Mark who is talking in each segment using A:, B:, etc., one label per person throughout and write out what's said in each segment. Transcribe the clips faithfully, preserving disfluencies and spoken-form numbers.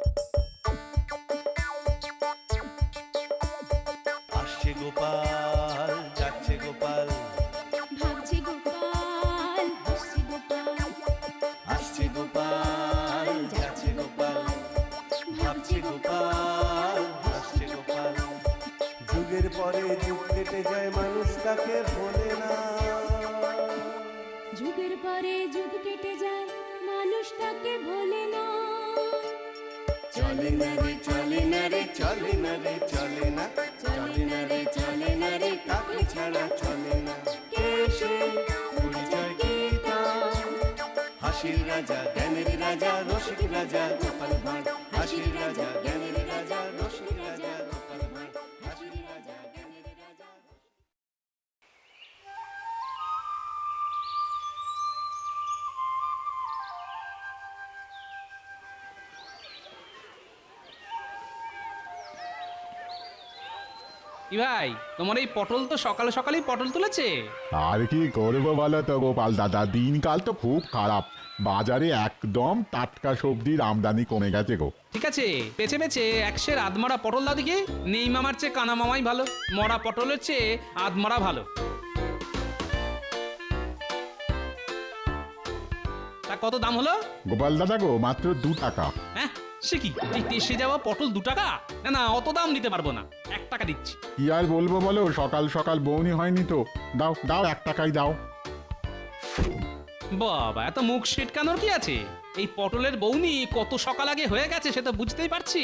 A: আসছে গোপাল, যাচ্ছে গোপাল,
B: ভাবছে গোপাল, হাসছে গোপাল,
A: আসছে গোপাল, যাচ্ছে গোপাল, ভাবছে গোপাল, হাসছে গোপাল। যুগের পরে যুগ কেটে যায়, মানুষ তাকে ভোলে না।
B: যুগের পরে যুগ কেটে যায়, মানুষ তাকে ভোলে না।
A: চলে না রে, চলে না রে, চলে না রে, চলে না, চলে না রে, চলে না রে, কাকে ছাড়া চলে না। কে সে পরিচয় কি তার? হাসির রাজা, জ্ঞানের রাজা, রসিক রাজা গোপাল ভাঁড়। হাসির রাজা, জ্ঞানের রাজা, রসিক রাজা গোপাল ভাঁড়। হাসির রাজা, জ্ঞানের রাজা।
C: কি ভাই, তোমার এই পটল তো সকালে সকালেই পটল তুলেছে।
D: আর কি করবো বলো তো গোপাল দাদা, দিনকাল তো খুব খারাপ। বাজারে একদম টাটকা সবজির আমদানি কমে গেছে গো।
C: ঠিক আছে, বেছে বেছে একশের আধমরা পটল দাও দেখি। নেই মামার চেয়ে কানা মামাই ভালো, মরা পটলের চেয়ে আধমরা ভালো। তা কত দাম হলো?
D: গোপাল দাদা গো, মাত্র দু টাকা।
C: হ্যাঁ, সে কি, এই টেসে যাওয়া পটল দু টাকা? না না, অত দাম দিতে পারবো না, এক টাকা দিচ্ছি।
D: কি আর বলবো বলো, সকাল সকাল বউনি হয়নি তো। দাও দাও, এক টাকাই দাও।
C: বাবা, এত মুখ সিটকানোর কি আছে? এই পটলের বৌনি কত সকাল আগে হয়ে গেছে সে তো বুঝতেই পারছি।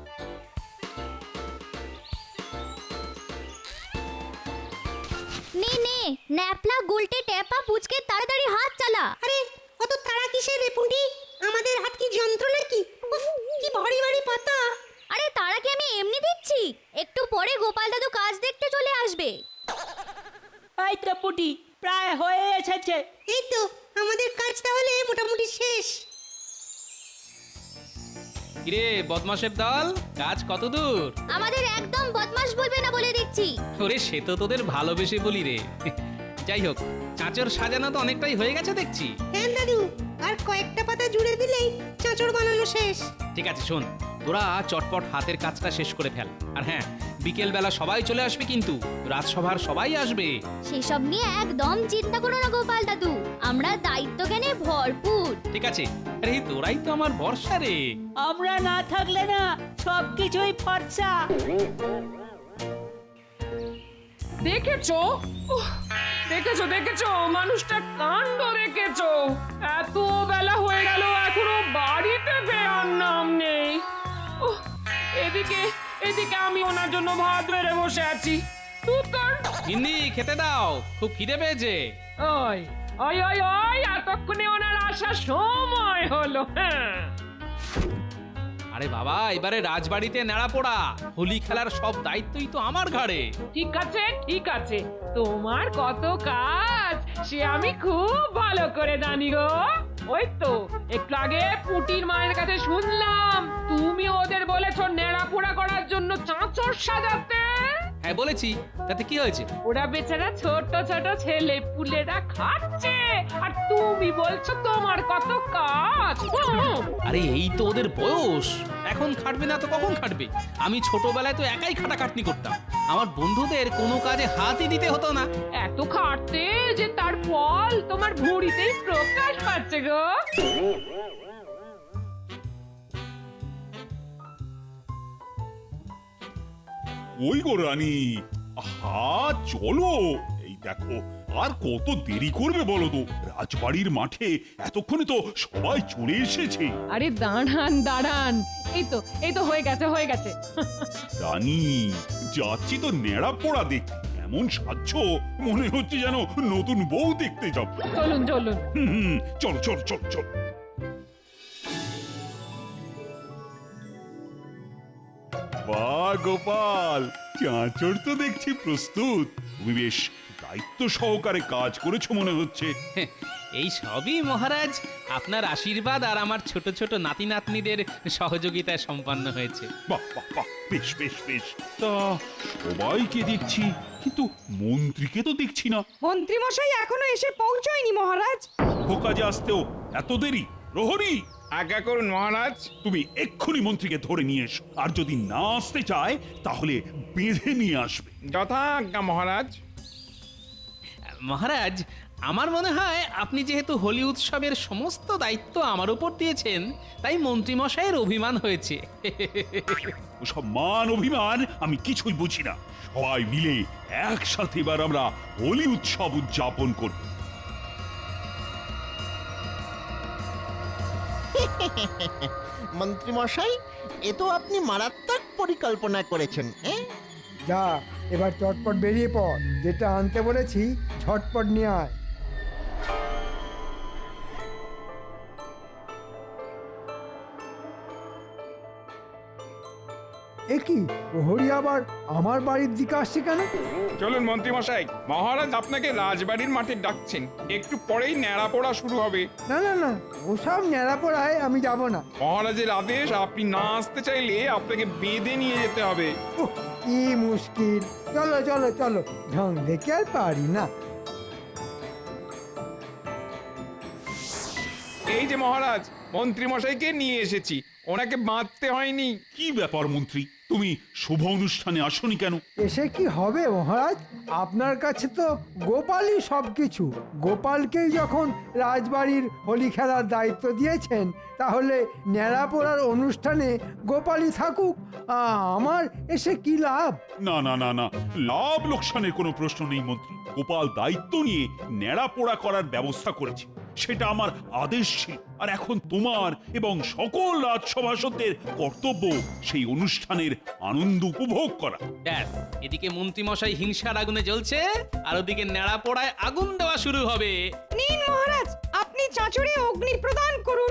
E: নে নে, ন্যাপলা গুলটে টেপা পুচকে তাড়াতাড়ি হাত চালা।
F: আরে অত তাড়া কিসের রে পুঁটি? আমাদের হাত কি যন্ত্র নাকি? উফ, কি ভারী ভারী পাতা।
E: আরে তারা কি আমি এমনি দিচ্ছি? একটু পরে গোপাল দাদু কাজ দেখতে চলে আসবে।
G: এই তো পুটি প্রায় হয়ে এসেছে।
F: এই তো আমাদের কাজ তাহলে মোটামুটি শেষ।
C: কিরে বদমাশের দল, কাজ কত দূর?
E: আমাদের একদম বদমাশ বলবে না বলে দিচ্ছি।
C: ওরে, সে তো তোদের ভালোবেসে বলি রে। যাই হোক, চাঁচর সাজানো তো অনেকটাই হয়ে গেছে দেখছি।
F: হ্যাঁ দাদু, আর কয়েকটা পাতা জুড়ে দিলেই চাঁচড় বানানো শেষ।
C: ঠিক আছে, শোন, তোরা চটপট হাতের কাজটা শেষ করে ফেল। আর হ্যাঁ, বিকেল বেলা সবাই চলে আসবে কিন্তু, রাজসভার সবাই আসবে।
E: সেসব নিয়ে একদম চিন্তা করো না গোপাল দাদু, আমরা দায়িত্ব জ্ঞানে ভরপুর।
C: ঠিক আছে, আরে তোরাই তো আমার ভরসা রে।
G: আমরা না থাকলে না সব কিছুই ফর্সা।
H: দেখেছো? উহ, দেখেছো দেখেছো মানুষটা কাণ্ড দেখেছো? এত বেলা হয়ে গেল এখনো বাড়িতে ফেরার নাম নেই। উহ, এদিকে এদিকে আমি ওনার জন্য ভাত বেড়ে বসে আছি। তুই কর।
C: গিন্নি, খেতে দাও, খুব খিদে পেয়েছে।
H: ওই ওই ওই ওই এতক্ষণে ওনার আসার সময় হলো। হ্যাঁ,
C: আরে বাবা, এবারে রাজবাড়িতে নেড়া পোড়া, হোলি খেলার সব দায়িত্বই তো আমার ঘাড়ে।
H: ঠিক আছে ঠিক আছে, তোমার কত কাজ সে আমি খুব ভালো করে জানি গো। ওই তো একটু আগে পুটির মায়ের কাছে শুনলাম তুমি ওদের বলেছো নেড়া পোড়া করার জন্য চাঁচর সাজাতে।
C: হ্যাঁ বলেছি, তাতে কি হয়েছে?
H: ওরা বেচারা ছোট ছোট ছেলে পুলেরা খাচ্ছে আর তুমি বলছো তোমার কত কাজ। হুম।
C: আরে এই তো ওদের বয়স, এখন খাটবে না তো কখন খাটবে? আমি ছোটবেলায় তো একাই খাটাখাটনি করতাম, আমার বন্ধুদের কোনো কাজে হাতই দিতে হতো না।
H: এত খাটতে যে তার ফল তোমার ভুঁড়িতেই প্রকাশ পাচ্ছে গো।
I: ওই গো রানী, আহা চলো, এই দেখো আর কত দেরি করবে বলো তো? রাজবাড়ির মাঠে এতক্ষণে তো সবাই চলে এসেছে।
H: আরে দাঁড়ান দাঁড়ান, এই তো এই তো হয়ে গেছে হয়ে গেছে।
I: রানী, যাচ্ছি তো নেড়া পোড়া দেখতে, এমন সাজছ মনে হচ্ছে যেন নতুন বউ দেখতে যাব।
H: চলুন চলুন।
I: হুম হুম, চলো চলো চলো চলো। বাহ গোপাল, চাঁচড় তো দেখছি প্রস্তুত। তুমি বেশ দায়িত্ব সহকারে কাজ করেছো মনে হচ্ছে।
C: এই সবই মহারাজ আপনার আশীর্বাদ আর আমার ছোট ছোট নাতি নাতনিদের সহযোগিতায় সম্পন্ন হয়েছে।
I: বাহ বাহ বাহ, বেশ বেশ বেশ। তা সবাইকে দেখছি, কিন্তু মন্ত্রীকে তো দেখছি না।
F: মন্ত্রী মশাই এখনো এসে পৌঁছয়নি মহারাজ।
I: শুভ কাজে আসতেও এত দেরি? প্রহরী,
J: আজ্ঞা করুন মহারাজ।
I: তুমি এক্ষুনি মন্ত্রীকে ধরে নিয়ে এসো, আর যদি না আসতে চায় তাহলে বেঁধে নিয়ে আসবে।
J: যথাজ্ঞা মহারাজ।
C: মহারাজ, আমার মনে হয় আপনি যেহেতু হোলি উৎসবের সমস্ত দায়িত্ব আমার উপর দিয়েছেন, তাই মন্ত্রীমশাইয়ের অভিমান হয়েছে।
I: ওসব মান অভিমান আমি কিছুই বুঝি না। সবাই মিলে একসাথে এবার আমরা হোলি উৎসব উদযাপন করব।
K: মন্ত্রী মশাই, এ তো আপনি মারাত্মক পরিকল্পনা করেছেন। হ্যাঁ,
L: যা এবার চটপট বেরিয়ে পড়, যেটা আনতে বলেছি ঝটপট নিয়ে আয়। এ কি, প্রহরী আবার আমার বাড়ির দিকে আসছে কেন?
J: চলুন মন্ত্রী মশাই, মহারাজ আপনাকে রাজবাড়ির মাঠে ডাকছেন। একটু পরেই ন্যাড়া পোড়া শুরু হবে।
L: না না না, ওসব ন্যাড়া পড়ায় আমি যাব না।
J: মহারাজের আদেশ, আপনি না আসতে চাইলে আপনাকে বেঁধে নিয়ে যেতে হবে।
L: উহ, কি মুশকিল। চলো চলো চলো, ঢং দেখে আর পারি না।
J: এই যে মহারাজ, মন্ত্রী মশাইকে নিয়ে এসেছি, ওনাকে বাঁধতে হয়নি।
I: কি ব্যাপার মন্ত্রী, তুমি শুভ অনুষ্ঠানে আসনি কেন?
L: এসে কি হবে মহারাজ, আপনার কাছে তো গোপালই সবকিছু। গোপালকেই যখন রাজবাড়ির হোলি খেলার দায়িত্ব দিয়েছেন, তাহলে ন্যাড়া পোড়ার অনুষ্ঠানে গোপালই থাকুক। আ, আমার এসে কি লাভ?
I: না না না না, লাভ লোকসানের কোনো প্রশ্ন নেই মন্ত্রী। গোপাল দায়িত্ব নিয়ে ন্যাড়া পোড়া করার ব্যবস্থা করেছে, সেটা আমার আদেশ ছিল। আর এখন তোমার এবং সকল রাজসভাসদের কর্তব্য সেই অনুষ্ঠানের আনন্দ উপভোগ করা।
C: ব্যাস, এদিকে মন্ত্রীমশাই হিংসার আগুনে জ্বলছে, আর ওদিকে ন্যাড়া পোড়ায় আগুন দেওয়া শুরু হবে।
F: নিন মহারাজ, আপনি চাঁচড়ে অগ্নি প্রদান করুন।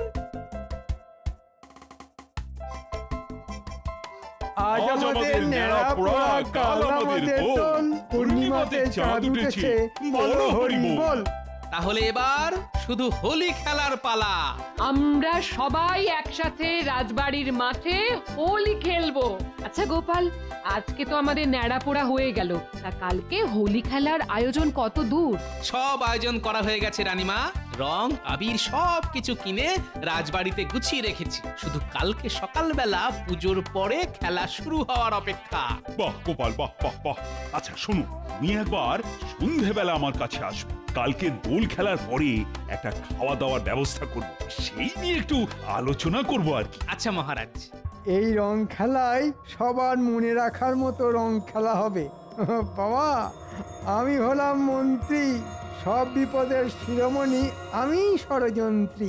L: আজ আমাদের ন্যাড়া পোড়া, কাল আমাদের দোল, পূর্ণিমাতে চাঁদ উঠেছে, বলো হরি বল।
C: তাহলে এবার শুধু হোলি খেলার পালা।
H: আমরা সবাই একসাথে রাজবাড়ির মাঠে হোলি খেলবো। আচ্ছা গোপাল, আজকে তো আমাদের ন্যাড়া পোড়া হয়ে গেল, তা কালকে হোলি খেলার আয়োজন কত দূর?
C: সব আয়োজন করা হয়ে গেছে রানীমা। রং আবির সব কিছু কিনে রাজবাড়িতে গুছিয়ে রেখেছি, শুধু কালকে সকালবেলা পুজোর পরে খেলা শুরু হওয়ার অপেক্ষা।
I: বাহ গোপাল, বাহ বাহ বাহ। আচ্ছা শোনো, তুমি একবার সন্ধেবেলা আমার কাছে আসবে। কালকে দোল খেলার পরে একটা খাওয়া দাওয়ার ব্যবস্থা করব, সেই নিয়ে একটু আলোচনা করব আর কি।
C: আচ্ছা মহারাজ।
L: এই রং খেলায় সবার মনে রাখার মতো রং খেলা হবে। বাবা, আমি হলাম মন্ত্রী, সব বিপদের শিরোমণি আমি ষড়যন্ত্রী।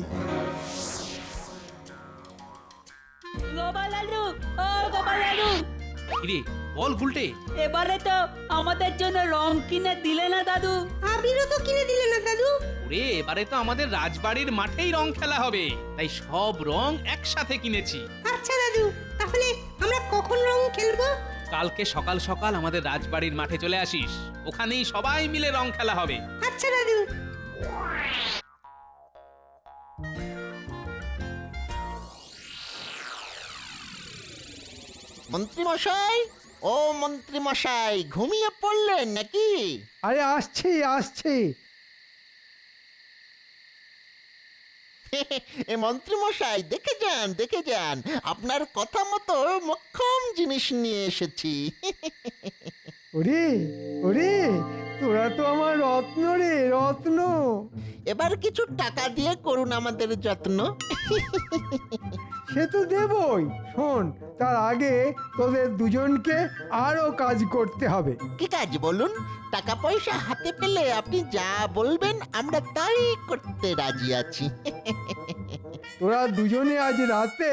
G: গোপাল দাদু, ও গোপাল দাদু,
C: কিরে বল গুলটে,
G: এবারে তো আমাদের জন্য রং কিনে দিলে না দাদু?
F: আবিরও তো কিনে দিলে না দাদু।
C: ওরে এবারে তো আমাদের রাজবাড়ির মাঠেই রং খেলা হবে, তাই সব রং একসাথে কিনেছি।
F: আচ্ছা দাদু, তাহলে আমরা কখন রং খেলবো?
C: কালকে সকাল সকাল আমাদের রাজবাড়ির মাঠে চলে আসিস, ওখানেই সবাই মিলে রং খেলা হবে।
F: আচ্ছা দাদু।
K: মন্ত্রী মশাই, ও মন্ত্রী মশাই, ঘুমিয়ে পড়লেন নাকি?
L: আরে আসছি আসছি।
K: এ মন্ত্রী মশাই, দেখে যান দেখে যান, আপনার কথা মতো মক্ষম জিনিস নিয়ে এসেছি।
L: ওরে ওরে, তোরা তো আমার রত্ন রে, রত্ন।
K: এবার কিছু টাকা দিয়ে করুন আমাদের যত্ন।
L: সে তো দেবই। শোন, তার আগে তোদের দুজনকে আরো কাজ করতে হবে।
K: কি কাজ বলুন? টাকা পয়সা হাতে পেলে আপনি যা বলবেন আমরা তাই করতে রাজি আছি।
L: তোরা দুজনে আজ রাতে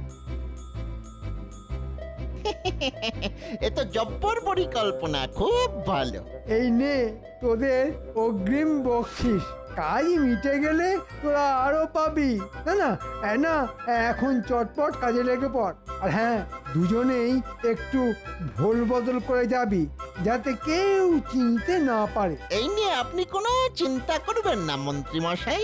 K: এ তো জব্বর পরিকল্পনা, খুব ভালো।
L: এই নে তোদের অগ্রিম বকশিস। কাজ মিটে গেলে তোরা আরো পাবি। না না এ না, এখন চটপট কাজে লেগে পড়। আর হ্যাঁ, দুজনেই একটু ভোল বদল করে যাবি, যাতে কেউ চিনতে না পারে।
K: এই নিয়ে আপনি কোনো চিন্তা করবেন না মন্ত্রী মশাই।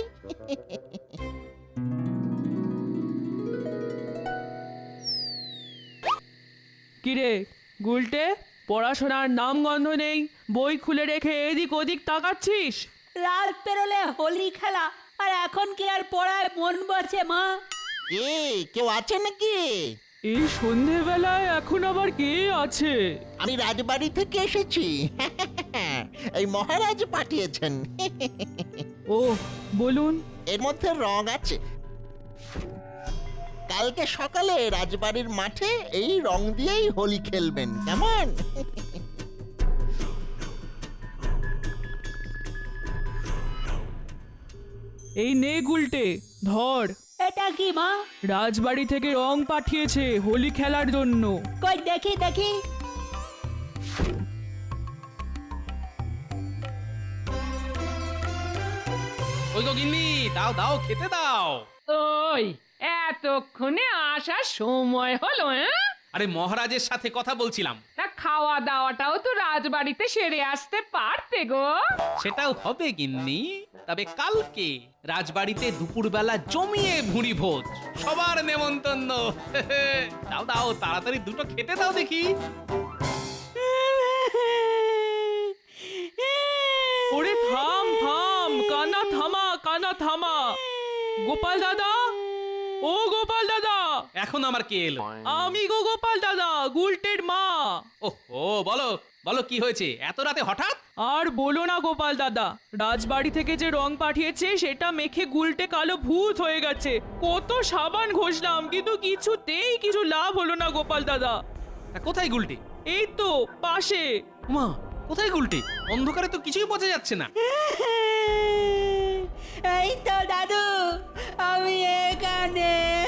G: কিরে গুলটে, পড়াশোনার নাম গন্ধ নেই, বই খুলে রেখে এদিক ওদিক তাকাচ্ছিস? রাত পেরোলে হোলি খেলা, আর এখন কি আর পড়ায় মন বসে মা?
K: কে কেউ আছে নাকি?
G: এই সন্ধেবেলায় এখন আবার কে আছে?
K: আমি রাজবাড়ি থেকে এসেছি। এই মহারাজ পাঠিয়েছেন।
G: ও বলুন।
K: এর মধ্যে রং আছে। কালকে সকালে রাজবাড়ির মাঠে এই রং দিয়েই হোলি খেলবেন, কেমন?
G: এই নে গুলটে, ধর।
F: এটা কি মা?
G: রাজবাড়ি থেকে রং পাঠিয়েছে হোলি খেলার জন্য।
F: কই দেখি দেখি।
C: ওই গো গিন্নি, দাও দাও খেতে দাও।
H: ওই এতক্ষণে আসার সময় হলো, হ্যাঁ?
C: আরে মহারাজের সাথে কথা বলছিলাম।
H: তা খাওয়া দাওয়াটাও তো রাজবাড়িতে সেরে আসতে পারতে গো।
C: সেটাও হবে গিন্নি, তবে কালকে রাজবাড়িতে দুপুরবেলা জমিয়ে ভুঁড়ি ভোজ, সবার নেমন্তন্ন। দাও দাও তাড়াতাড়ি দুটো খেতে দাও দেখি।
G: ওরে থাম থাম, কানা থামা, কানা থামা। গোপাল দাদা, ও গোপাল দাদা।
C: এখন আমার কে এলো?
G: আমি গো গোপাল দাদা, গুলটের মা।
C: ওহো, বলো বলো কি হয়েছে এত রাতে হঠাৎ?
G: আর বলো না গোপাল দাদা, রাজবাড়ি থেকে যে রং পাঠিয়েছে সেটা মেখে গুলটে কালো ভূত হয়ে গেছে। কত সাবান ঘষলাম কিন্তু কিছুতেই কিছু লাভ হলো না গোপাল দাদা।
C: তা কোথায় গুলটে?
G: এই তো পাশে।
C: মা, কোথায় গুলটে? অন্ধকারে তো কিছুই বোঝা যাচ্ছে না।
F: এই তো দাদু, আমি এখানে।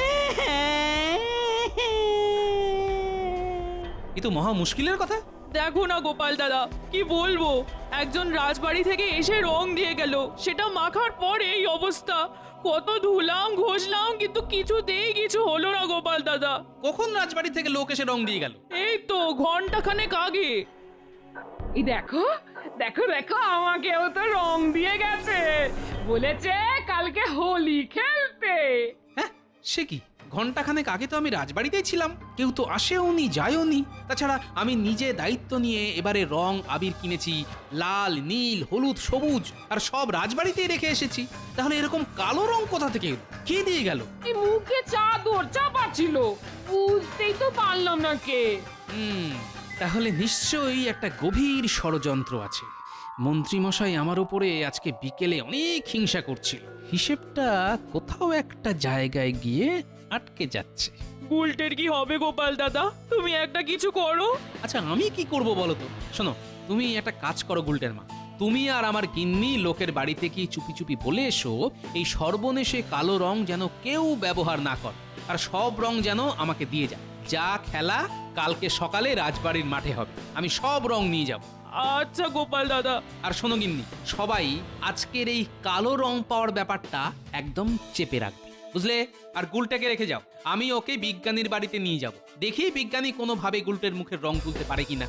C: এ তো মহা মুশকিলের কথা।
G: দেখো না গোপাল দাদা, কি বলবো, একজন রাজবাড়ি থেকে এসে রং দিয়ে গেল, সেটা মাখার পর এই অবস্থা। কত ধুলাম ঘষলাম কিন্তু কিছুতেই কিছু হলো না গোপাল দাদা।
C: কখন রাজবাড়ি থেকে লোক এসে রং দিয়ে গেল?
G: এই তো ঘন্টা খানেক আগে।
H: এই দেখো দেখো দেখো, আমাকেও তো রং দিয়ে গেছে, বলেছে কালকে হোলি খেলতে।
C: হ্যাঁ, সে কি? ঘন্টাখানেক আগে তো আমি রাজবাড়িতেই ছিলাম, কেউ তো আসেওনি যায়ওনি। তাছাড়া আমি নিজে দায়িত্ব নিয়ে এবারে রং আবির কিনেছি, লাল নীল হলুদ সবুজ, আর সব রাজবাড়িতেই রেখে এসেছি। তাহলে এরকম কালো রং কোথা থেকে এলো? কে দিয়ে গেল?
H: এই মুখে চাদর চাপা ছিল, বুঝতেই তো পারলাম না কে।
C: হুম, তাহলে নিশ্চয়ই একটা গভীর ষড়যন্ত্র আছে। মন্ত্রীমশাই আমার উপরে আজকে বিকেলে অনেক হিংসা করছিল। হিসেবটা কোথাও একটা জায়গায় গিয়ে আটকে যাচ্ছে।
G: গুলটের কি হবে গোপাল দাদা? তুমি একটা কিছু করো।
C: আচ্ছা, আমি কি করব বলো তো? শোনো, তুমি একটা কাজ করো গুলটের মা, তুমি আর আমার গিন্নি লোকের বাড়িতে কি চুপি চুপি বলে এসো এই সর্বনেশে কালো রং যেন কেউ ব্যবহার না করে, আর সব রং যেন আমাকে দিয়ে যায়। যা খেলা কালকে সকালে রাজবাড়ির মাঠে হবে, আমি সব রং নিয়ে যাব।
G: আচ্ছা গোপাল দাদা।
C: আর শোনো গিন্নি, সবাই আজকের এই কালো রং পাওয়ার ব্যাপারটা একদম চেপে রাখবে, বুঝলে? আর গুলটাকে রেখে যাও, আমি ওকে বিজ্ঞানীর বাড়িতে নিয়ে যাব, দেখি বিজ্ঞানী কোনোভাবে গুলটের মুখের রং তুলতে পারে কিনা।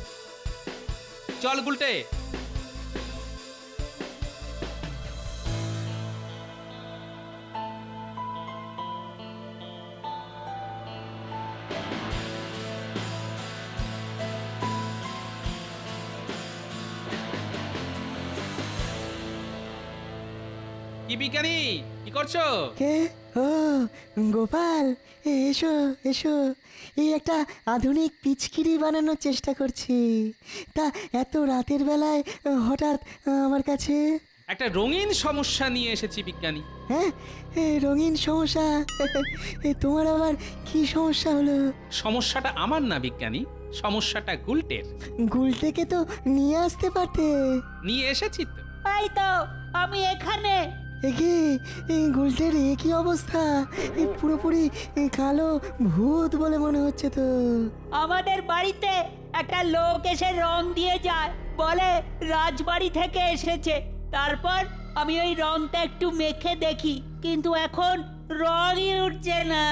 C: চল গুলটে। কি বিজ্ঞানী, কি করছো?
M: কে? ও গোপাল, এসো এসো। এই একটা আধুনিক পিচকিরি বানানোর চেষ্টা করছি। তা এত রাতের বেলায় হঠাৎ আমার কাছে?
C: একটা রঙিন সমস্যা নিয়ে এসেছি বিজ্ঞানী।
M: হ্যাঁ, এ রঙিন সমস্যা? এ তোমার আবার কি সমস্যা হলো?
C: সমস্যাটা আমার না বিজ্ঞানী, সমস্যাটা গুলটের।
M: গুলটেকে তো নিয়ে আসতে পারতে।
C: নিয়ে এসেছি তো।
F: এই তো আমি এখানে।
M: একে গুলটের এ কি অবস্থা? এ পুরোপুরি কালো ভূত বলে মনে হচ্ছে তো।
F: আমাদের বাড়িতে একটা লোক এসে রং দিয়ে যায়, বলে রাজবাড়ি থেকে এসেছে। তারপর আমি ওই রংটা একটু মেখে দেখি, কিন্তু এখন রঙই উঠছে না।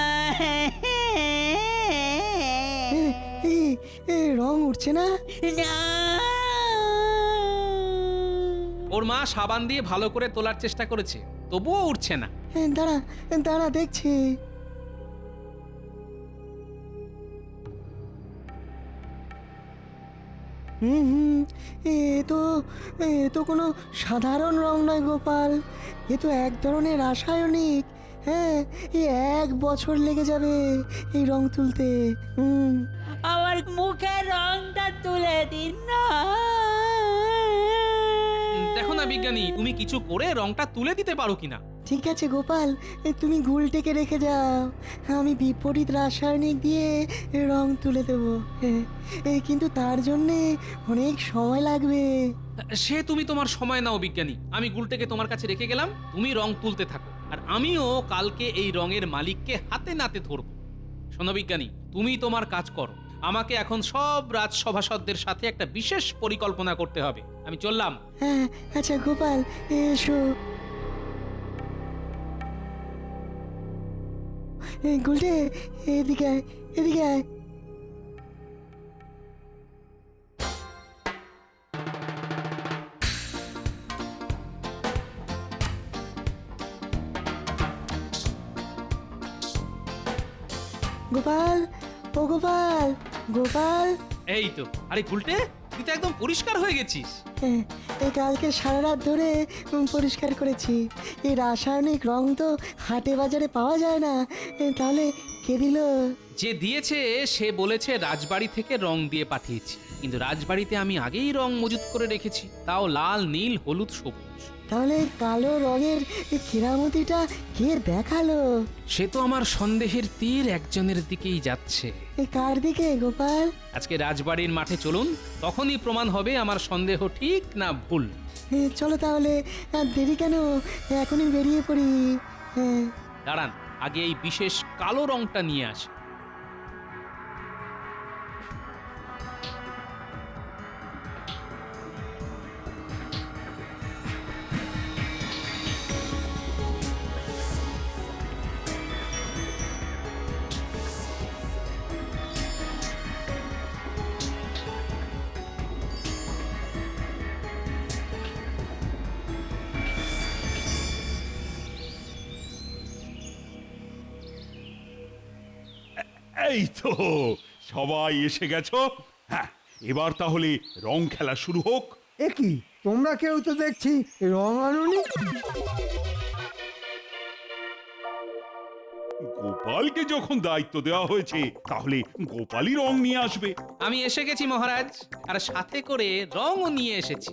M: রং উঠছে না?
F: না,
C: ওর মা সাবান দিয়ে ভালো করে তোলার চেষ্টা করেছে, তবুও উঠছে না।
M: দাঁড়া দাঁড়া দেখছি। হুম হুম এ তো এ তো কোনো সাধারণ রং নয় গোপাল, এ তো এক ধরনের রাসায়নিক। হ্যাঁ, এই এক বছর লেগে যাবে এই রং তুলতে। হুম
F: আমার মুখের রংটা তুলে দিন না।
C: দেখো না বিজ্ঞানী, তুমি কিছু করে রংটা তুলে দিতে পারো কিনা।
M: ঠিক আছে গোপাল, এ তুমি গুলটেকে রেখে যাও, আমি বিপরীত রাসায়নিক দিয়ে রং তুলে দেবো। হ্যাঁ, এ কিন্তু তার জন্যে অনেক সময় লাগবে।
C: সে তুমি তোমার সময় নাও বিজ্ঞানী, আমি গুলটেকে তোমার কাছে রেখে গেলাম, তুমি রং তুলতে থাকো, আর আমিও কালকে এই রঙের মালিককে হাতে নাতে ধরবো। শোনো বিজ্ঞানী, তুমি তোমার কাজ করো, আমাকে এখন সব রাজসভাসদদের সাথে একটা বিশেষ পরিকল্পনা করতে হবে। আমি চললাম।
M: হ্যাঁ আচ্ছা গোপাল, এসো। এই গুলটে, এদিকে আয়, এদিকে আয়। গোপাল, ও গোপাল, গোপাল।
C: এই তো, আরে গুলটে, তুই তো একদম পরিষ্কার হয়ে গেছিস।
M: হ্যাঁ, এই কালকে সারা রাত ধরে উম, পরিষ্কার করেছি। এই রাসায়নিক রং তো হাটে বাজারে পাওয়া যায় না, এ, তাহলে কে দিল?
C: যে দিয়েছে সে বলেছে রাজবাড়ি থেকে রং দিয়ে পাঠিয়েছি, কিন্তু রাজবাড়িতে আমি আগেই রং মজুত করে রেখেছি, তাও লাল, নীল, হলুদ, সবুজ।
M: তাহলে কালো রঙের এই কেরামতিটা কে দেখালো?
C: সে তো আমার সন্দেহের তীর একজনের দিকেই যাচ্ছে।
M: এই কার দিকে গোপাল?
C: আজকে রাজবাড়ির মাঠে চলুন, তখনই প্রমাণ হবে আমার সন্দেহ ঠিক না ভুল।
M: এ, চলো তাহলে, আর দেরি কেন, এখনই বেরিয়ে পড়ি। হ্যাঁ,
C: দাঁড়ান, আগে এই বিশেষ কালো রংটা নিয়ে আসি।
I: এই তো সবাই এসে গেছো। হ্যাঁ, এবার তাহলে রং খেলা শুরু হোক।
L: এ কি, তোমরা কেউ তো দেখছি রং আনুনি।
I: গোপালকে যখন দায়িত্ব দেওয়া হয়েছে, তাহলে গোপালই রং নিয়ে আসবে।
C: আমি এসে গেছি মহারাজ, আর সাথে করে রংও নিয়ে এসেছি।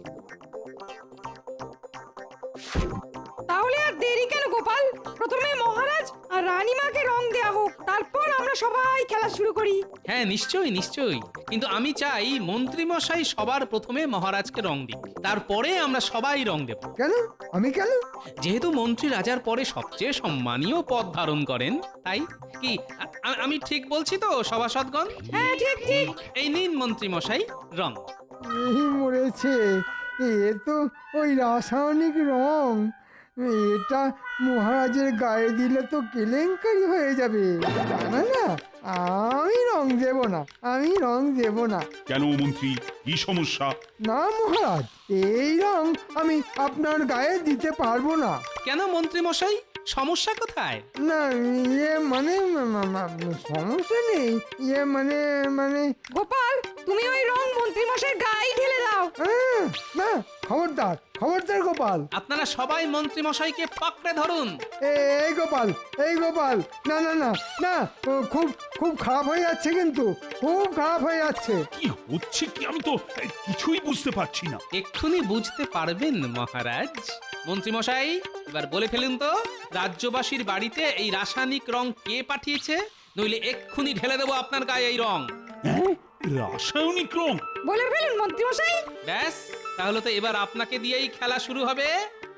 H: তাহলে আর দেরি কেন গোপাল, প্রথমে মহারাজ আর রানীমাকে রং দেয়া হোক, তারপর আমরা সবাই খেলা শুরু করি।
C: হ্যাঁ নিশ্চয়ই নিশ্চয়ই, কিন্তু আমি চাই মন্ত্রীমশাই সবার প্রথমে মহারাজকে রং দিক, তারপরে আমরা সবাই রং দেব।
L: কেন আমি কেন?
C: যেহেতু মন্ত্রী রাজার পরে সবচেয়ে সম্মানীয় পদ ধারণ করেন, তাই কি আ- আমি ঠিক বলছি তো সভাসদগণ?
H: হ্যাঁ ঠিক ঠিক।
C: এই নিন মন্ত্রীমশাই রং।
L: এই মরেছে, এ তো ওই রাসায়নিক রং। এটা মহারাজের গায়ে দিলে তো কেলেঙ্কারি হয়ে যাবে। না না, আমি রং দেব না, আমি রং দেব না।
I: কেন মন্ত্রী, কি সমস্যা?
L: না মহারাজ, এই রং আমি আপনার গায়ে দিতে পারবো না।
C: কেন মন্ত্রীমশাই, সমস্যা কোথায়?
L: না ইয়ে মানে মা- মা- মা- সমস্যা নেই, ইয়ে মানে মানে
H: গোপাল, তুমি ওই রং মন্ত্রী মশাই গায়ে ঢেলে দাও।
L: আহ, না, খবরদার খবরদার গোপাল।
C: আপনারা সবাই মন্ত্রীমশাইকে পাকড়ে ধরুন।
L: এ- এই গোপাল, এই গোপাল, না না না না, ও, খুব খুব খারাপ হয়ে যাচ্ছে, কিন্তু খুব খারাপ হয়ে যাচ্ছে।
I: কি হচ্ছে কি, আমি তো এ, কিছুই বুঝতে পারছি না।
C: এক্ষুনি বুঝতে পারবেন মহারাজ। মন্ত্রীমশাই, এবার বলে ফেলুন তো, রাজ্যবাসীর বাড়িতে এই রাসায়নিক রং কে পাঠিয়েছে? নইলে এক্ষুনি ঢেলে দেবো আপনার গায়ে এই রং।
I: হ্যাঁ, রাসায়নিক রং?
H: বলে ফেলুন মন্ত্রী মশাই।
C: ব্যাস, তাহলে তো এবার আপনাকে দিয়েই খেলা শুরু হবে।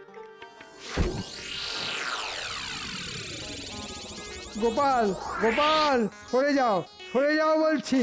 L: গোপাল, গোপাল, সরে যাও, সরে যাও বলছি।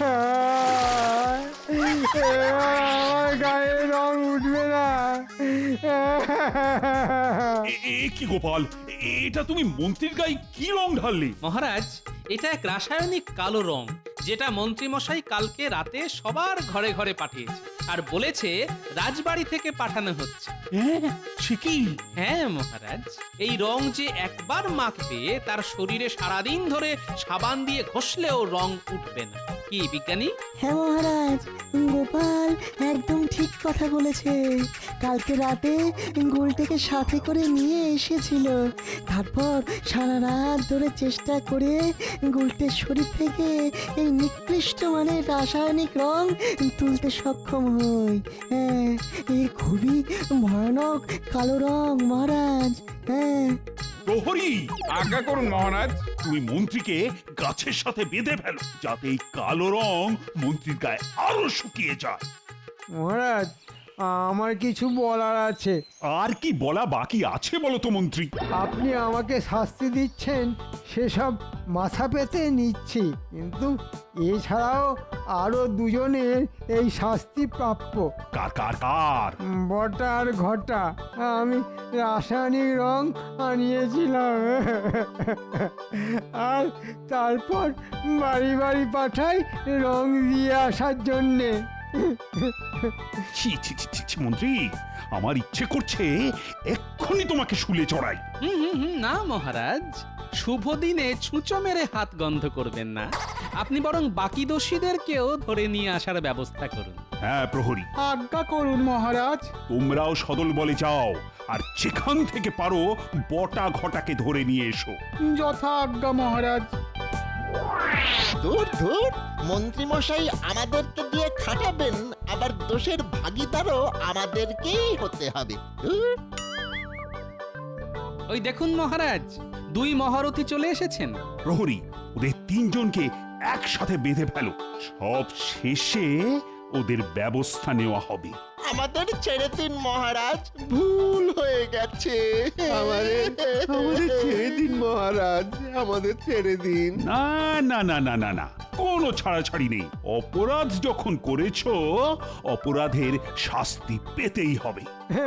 L: আহ, আমার গায়ে রং উঠবে না,
I: এ- এ কি গোপাল, এটা তুমি মন্ত্রীর গায়ে কি রং ঢাললে?
C: মহারাজ, এটা এক রাসায়নিক কালো রং যেটা মন্ত্রীমশাই কালকে রাতে সবার ঘরে ঘরে পাঠিয়েছে আর বলেছে রাজবাড়ি থেকে পাঠানো হচ্ছে।
I: হ্যাঁ, সে কি?
C: হ্যাঁ মহারাজ, এই রং যে একবার মাখবে তার শরীরে সারাদিন ধরে সাবান দিয়ে ঘষলেও রং উঠবে না। কি বিজ্ঞানী?
M: হ্যাঁ মহারাজ, গোপাল একদম ঠিক কথা বলেছে। কালকে রাতে গুলটেকে সাথে করে নিয়ে এসেছিল, তারপর সারা রাত ধরে চেষ্টা করে গুলটের শরীর থেকে এই নিকৃষ্ট মানের রাসায়নিক রং তুলতে সক্ষম হই। হ্যাঁ, এই খুবই ভয়ানক কালো রং মহারাজ। হ্যাঁ।
I: প্রহরী,
J: আজ্ঞা করুন মহারাজ।
I: তুমি মন্ত্রীকে গাছের সাথে বেঁধে ফেলো যাতে এই কালো রং মন্ত্রীর গায়ে আরো শুকিয়ে যায়।
L: মহারাজ, আমার কিছু বলার আছে।
I: আর কি বলা বাকি আছে বলো তো মন্ত্রী?
L: আপনি আমাকে শাস্তি দিচ্ছেন সেসব মাথা পেতে নিচ্ছি, কিন্তু এছাড়াও আরো দুজনের এই শাস্তি প্রাপ্য।
I: কার কার কার?
L: বটা আর ঘটা। আমি রাসায়নিক রং আনিয়েছিলাম আর তারপর বাড়ি বাড়ি পাঠাই রং দিয়ে আসার জন্যে।
I: ছি ছি ছি ছি ছি, মন্ত্রী, আমার ইচ্ছে করছে এক্ষুনি তোমাকে শুলে চড়াই।
C: হুম হুম হুম, না মহারাজ, শুভ দিনে ছুঁচো মেরে হাত গন্ধ করবেন না। আপনি বরং বাকি দোষীদেরকেও ধরে নিয়ে আসার ব্যবস্থা করুন।
I: হ্যাঁ প্রহরী,
L: আজ্ঞা করুন মহারাজ।
I: তোমরাও সদল বলে যাও আর যেখান থেকে পারো বটা ঘটাকে ধরে নিয়ে এসো।
L: যথা আজ্ঞা মহারাজ।
K: দূর দূর, মন্ত্রী মশাই আমাদেরকে দিয়ে খাটাবেন, আবার দোষের ভাগিদারও আমাদেরকেই হতে হবে। ধুর।
C: ওই দেখুন মহারাজ, দুই মহারথী চলে এসেছেন।
I: প্রহরী, ওদের তিনজনকে একসাথে বেঁধে ফেলো, সব শেষে ওদের ব্যবস্থা নেওয়া হবে।
K: আমাদের ছেড়ে দিন মহারাজ, ভুল হয়ে গেছে।
A: আমাদের আমাদের ছেড়ে দিন মহারাজ, আমাদের ছেড়ে দিন।
I: না না না না না না, কোনো ছাড়াছাড়ি নেই। অপরাধ যখন করেছো, অপরাধের শাস্তি পেতেই হবে।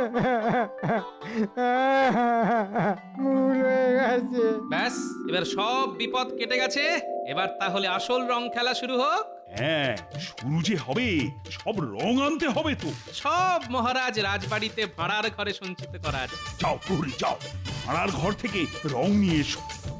L: ভুল হয়ে গেছে।
C: ব্যাস, এবার সব বিপদ কেটে গেছে। এবার তাহলে আসল রং খেলা শুরু হোক।
I: হ্যাঁ, শুরু যে হবে, সব রং আনতে হবে তো।
C: সব মহারাজ রাজবাড়িতে ভাড়ার ঘরে সঞ্চিত করা আছে।
I: যাও প্রহরী, যাও, ভাড়ার ঘর থেকে রং নিয়ে এসো।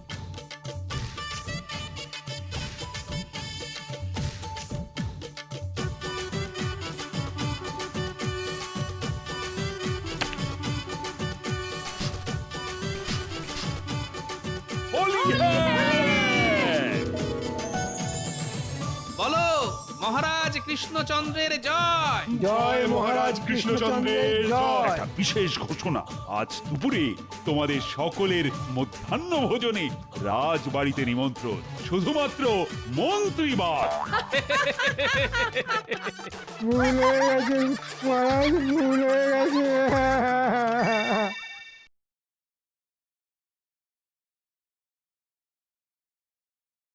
C: বলো, মহারাজ কৃষ্ণচন্দ্রের জয়।
L: জয় মহারাজ কৃষ্ণচন্দ্রের জয়।
I: একটা বিশেষ ঘোষণা, আজ দুপুরে তোমাদের সকলের মধ্যাহ্ন ভোজনে রাজবাড়িতে নিমন্ত্রণ, শুধুমাত্র মন্ত্রীবার।
L: ভুল হয়ে গেছে মহারাজ, ভুল হয়ে গেছে।